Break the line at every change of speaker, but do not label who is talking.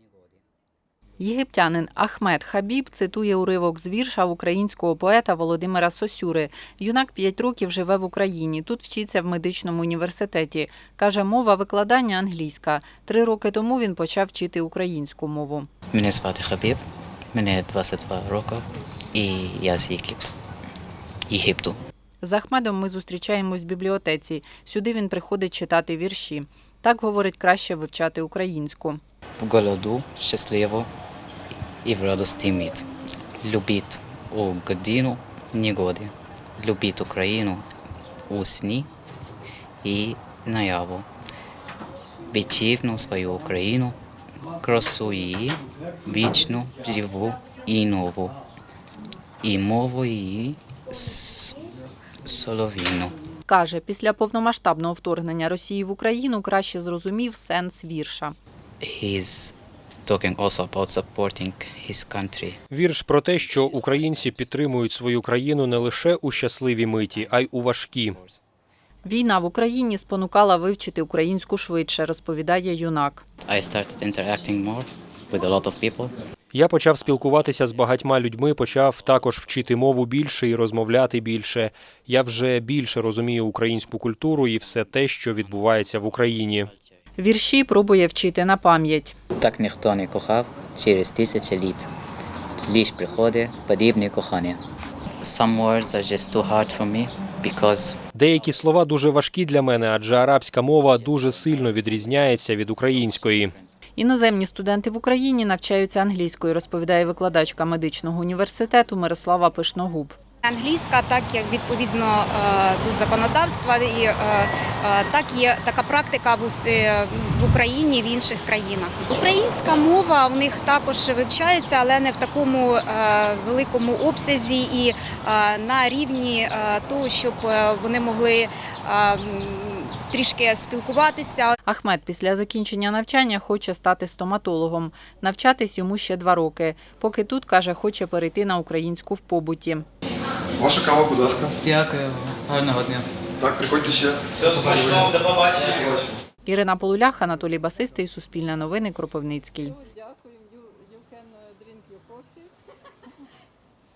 Єгиптянин Ахмед Хабіб цитує уривок з вірша українського поета Володимира Сосюри. Юнак 5 років живе в Україні. Тут вчиться в медичному університеті. Каже, мова викладання англійська. 3 роки тому він почав вчити українську мову.
Мене звати Хабіб, мені 22 роки і я з Єгипту.
З Ахмедом ми зустрічаємось в бібліотеці. Сюди він приходить читати вірші. Так, говорить, краще вивчати українську.
В голоду, щасливо і в радості мить. Любіть у годину негоди. Любіть Україну у сні і наяву. Вітчизну свою Україну, красу її, вічну, живу і нову. І мову її солов'їну.
Каже, після повномасштабного вторгнення Росії в Україну краще зрозумів сенс вірша.
He's talking also about supporting his country.
Вірш про те, що українці підтримують свою країну не лише у щасливі миті, а й у важкі.
Війна в Україні спонукала вивчити українську швидше, розповідає юнак.
I started interacting more with a lot of people.
Я почав спілкуватися з багатьма людьми, почав також вчити мову більше і розмовляти більше. Я вже більше розумію українську культуру і все те, що відбувається в Україні.
Вірші пробує вчити на пам'ять.
Так ніхто не кохав через тисячі літ. Лиш приходить подібне кохання. Some words are just too hard for me because
Деякі слова дуже важкі для мене, адже арабська мова дуже сильно відрізняється від української.
Іноземні студенти в Україні навчаються англійською, розповідає викладачка медичного університету Мирослава Пишногуб.
Англійська, так як відповідно до законодавства, і так є така практика в Україні і в інших країнах. Українська мова в них також вивчається, але не в такому великому обсязі і на рівні того, щоб вони могли трішки спілкуватися.
Ахмед після закінчення навчання хоче стати стоматологом. Навчатись йому ще 2 роки. Поки тут, каже, хоче перейти на українську в побуті.
Ваша кава, будь ласка.
Дякую, гарного дня.
Так, приходьте ще.
Все смачного, до побачення.
Ірина Полулях, Анатолій Басистий, Суспільне новини, Кропивницький.